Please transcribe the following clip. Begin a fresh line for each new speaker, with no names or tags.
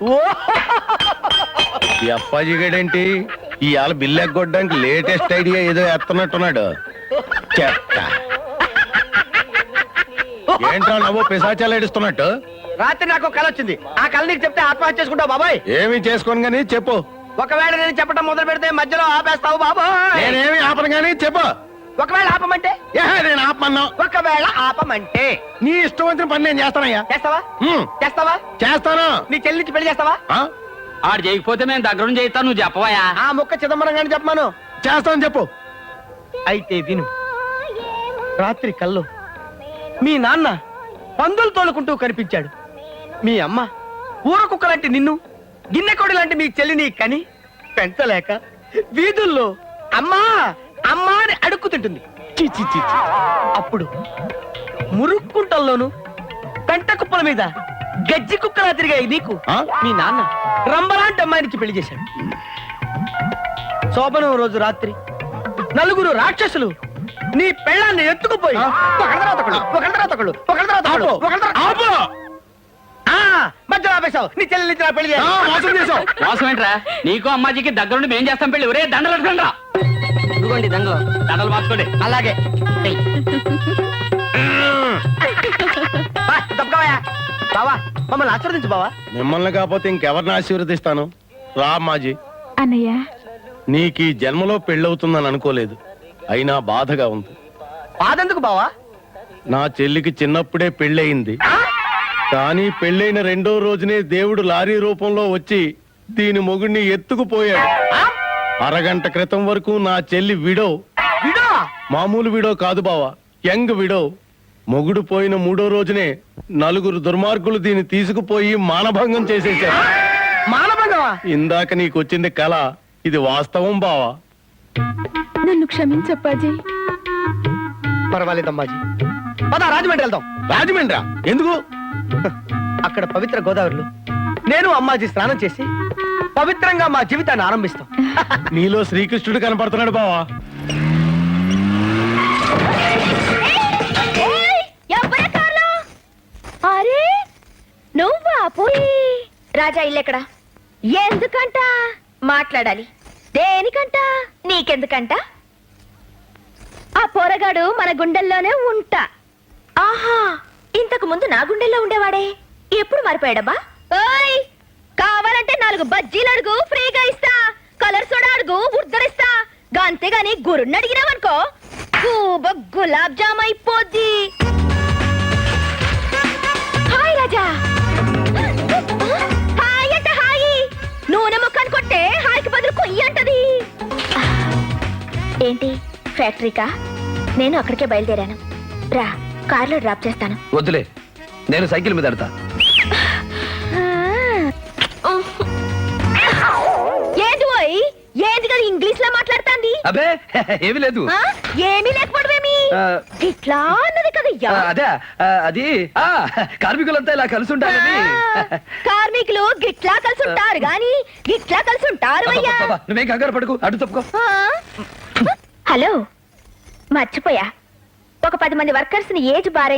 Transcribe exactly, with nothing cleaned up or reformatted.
ఈ అప్పాజీ గడేంటి ఇవాళ bill ఎగ్గొట్టడానికి latest idea ఏదో ఎత్తనట్టున్నాడు. చెత్త ఏంట్రా నవ్వు పిశాచాలు ఏడుస్తున్నట్టు?
రాత్రి నాకు కళ వచ్చింది. ఆ కళ నీకు చెప్తే ఆత్మహత్య చేసుకుంటావు బాబాయ్.
ఏమి చేసుకోను గానీ చెప్పు.
ఒకవేళ నేను చెప్పడం మొదలు పెడితే మధ్యలో ఆపేస్తావు బాబాయ్.
నేనేమి ఆపను గానీ చెప్పు.
ఒకవేళ ఆపమంటే?
నేను ఆపమన్నా.
ఒకవేళ ఆపమంటే
నీ ఇష్టం వచ్చిన పని నేను చేస్తానయ్యా.
చేస్తావా? చేస్తావా?
చేస్తాను.
నీ చెల్లించి పెళ్లి చేస్తావా?
ఆడు చేయకపోతే మేము దగ్గర నుంచి చేస్తాను. నువ్వు చెప్పవయా?
ఆ ముక్క చిదంబరం గాని చెప్పమాను.
చేస్తాను చెప్పు.
అయితే విను. రాత్రి కల్లో మీ నాన్న పందులు తోలుకుంటూ కనిపించాడు. మీ అమ్మ ఊర కుక్క లాంటి నిన్ను, గిన్నెకోడి లాంటి మీ చెల్లిని కని పెంచలేక వీధుల్లో అమ్మా అమ్మా అని అడుక్కుతుంటుంది. చి చి చి చి. అప్పుడు మురుక్కుంటల్లోను పెంట కుప్పల మీద గజ్జి కుక్కలా తిరిగాయి నీకు మీ నాన్న రంబలాంటి అమ్మాయినికి పెళ్లి చేశాడు. శోభనం రోజు రాత్రి నలుగురు రాక్షసులు నీ పెళ్ళాన్ని ఎత్తుకుపోయి ఒకళ్ళ తర్వాత ఒకళ్ళు, ఒకళ్ళ తర్వాత ఒకళ్ళు, ఒకళ్ళ తర్వాత ఒకళ్ళు, ఒకళ్ళ తర్వాత మధ్యలో ఆపేశావు. నీ చెల్లి నుంచి నా పెళ్లి చేశావు.
మోసం ఏంట్రా? నీకు అమ్మాజీకి దగ్గరుండి మేం చేస్తాం పెళ్లి. ఒరే దండలు పెట్టుకోండి రా.
ఇదిగోండి దండలు.
దండలు మార్చుకోండి.
అలాగే బావా మమ్మల్ని ఆశీర్వదించు బావా.
మిమ్మల్ని కాకపోతే ఇంకెవరిని ఆశీర్వదిస్తాను? రా అమ్మాజీ.
అన్నయ్య,
నీకు ఈ జన్మలో పెళ్ళవుతుందని అనుకోలేదు. అయినా బాధగా ఉంది.
బాధెందుకు బావా?
నా చెల్లికి చిన్నప్పుడే పెళ్ళయింది. కానీ పెళ్ళైన రెండో రోజునే దేవుడు లారీ రూపంలో వచ్చి దీని మొగుడిని ఎత్తుకుపోయాడు. అరగంట క్రితం వరకు నా చెల్లి విడో.
విడో?
మామూలు విడో కాదు బావా, యంగ్ విడో. మొగుడు పోయిన మూడో రోజునే నలుగురు దుర్మార్గులు దీన్ని తీసుకుపోయి మానభంగం చేసేశారు.
మానభంగమా?
ఇందాక నీకు వచ్చింది కళ, ఇది వాస్తవం బావా.
నన్ను క్షమించప్పాజీ.
పర్వాలేదమ్మాజీ, పద రాజమండ్రి వెళ్దాం.
రాజమండ్రా? ఎందుకు?
అక్కడ పవిత్ర గోదావరిలో నేను అమ్మాజీ స్నానం చేసి పవిత్రంగా మా జీవితాన్ని ఆరంభిస్తాం.
నీలో శ్రీకృష్ణుడు కనపడుతున్నాడు బావా.
అరే నువ్వా? పోయి
రాజా ఇల్లెక్కడ?
ఎందుకంట?
మాట్లాడాలి.
దేనికంట?
నీకెందుకంట?
ఆ పోరగాడు మన గుండెల్లోనే ఉంటా.
ఆహా, ఇంతకు ముందు నా గుండెల్లో ఉండేవాడే, ఎప్పుడు మారిపోయాడబ్బా?
ఓయ్, కావాలంటే నాలుగు బజ్జీలు అడుగు, ఫ్రీగా ఇస్తా. కలర్ సోడా అడుగు, ఉద్దరిస్తా. అంతేగాని గురుణ్ణి అడిగినావనుకో గూబ గులాబ్ జామ్ అయిపోద్ది. హాయ్ రాజా. హాయ్ అంట హాయి. నూనె ముఖాన్ని కొట్టే హాయికి బదులు కొయ్యి అంటది.
ఏంటి ఫ్యాక్టరీకా? నేను అక్కడికే బయలుదేరాను. రా, కార్లో డ్రాప్ చేస్తాను.
వద్దులే, నేను సైకిల్ మీద ఎడతా.
ఏంటి పోయి ఏంటి కదా ఇంగ్లీష్ లో మాట్లాడుతాంది?
అబే ఏమీ లేదు.
ఏమీ లేకపోవడమేమి? ఇట్లా అన్నది కదయ్యా.
అదే అది కార్మికులంతా ఇలా కలిసి ఉంటారని.
కార్మికులు గిట్లా కలిసి ఉంటారు గాని గిట్లా కలిసి ఉంటారు అయ్యా.
నువ్వేం కంగారు పడుకు, అటు తప్పుకో.
హలో, మర్చిపోయా. ఒక పది మంది వర్కర్స్ ని ఏజ్ బారే